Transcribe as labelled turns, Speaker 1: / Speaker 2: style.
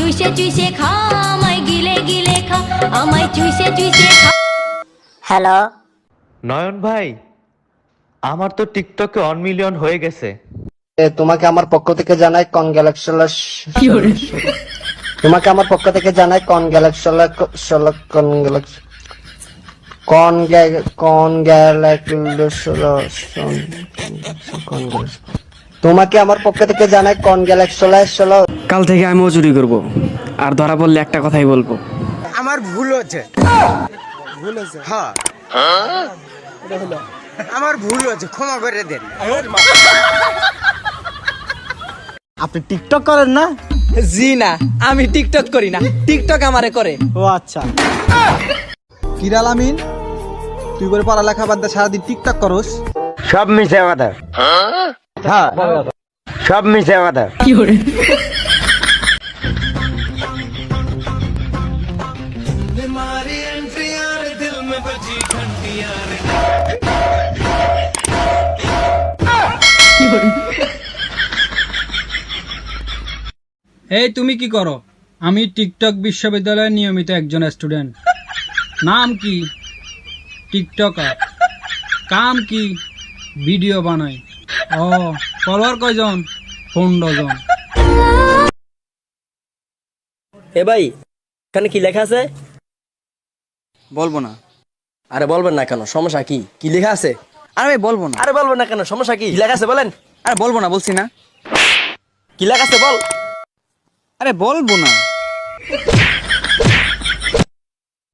Speaker 1: চুষে চুষে খা, আমায় গিলে গিলে খা, আমায় চুষে চুষে খা।
Speaker 2: হ্যালো
Speaker 3: নয়ন ভাই, আমার তো টিকটকে 1 মিলিয়ন হয়ে গেছে।
Speaker 4: তোমাকে আমার পক্ষ থেকে জানাই তোমাকে আমার পক্ষ থেকে জানাই তোমাকে আমার পক্ষ থেকে জানাই কনগ্রাচুলেশন।
Speaker 5: কাল থেকে আমিও চুরি করব, আর ধরা পড়লে একটা কথাই বলবো,
Speaker 6: আমার ভুল হচ্ছে। হ্যাঁ আমার ভুল হচ্ছে, ক্ষমা করে দেন।
Speaker 7: আপনি টিকটক করেন না?
Speaker 8: জি না, আমি টিকটক করি না, টিকটক আমারে করে।
Speaker 7: ও আচ্ছা। কিরাল আমিন, তুই করে পড়ালেখা বাদ দিয়ে সারাদিন টিকটক করস?
Speaker 6: সব মিশে কথা। হ্যাঁ সব মিশে কথা।
Speaker 9: এই তুমি কি করো? আমি টিকটক বিশ্ববিদ্যালয়ের নিয়মিত একজন স্টুডেন্ট। নাম কি? টিকটকার। কাম কি? ভিডিও বানাই। ও, ফলোয়ার কয়জন? 15 জন।
Speaker 8: এ ভাই, এখানে কি লেখা আছে?
Speaker 5: বলবো না।
Speaker 8: আরে বলবেন না কেন, সমস্যা কি? কি লেখা আছে?
Speaker 5: আরে ভাই বলবো না।
Speaker 8: আরে বলবেন না কেন, সমস্যা কি? কি লেখা আছে বলেন।
Speaker 5: আরে বলবো না বলছি না।
Speaker 8: কি লেখা আছে বল।
Speaker 5: আরে বলবো না।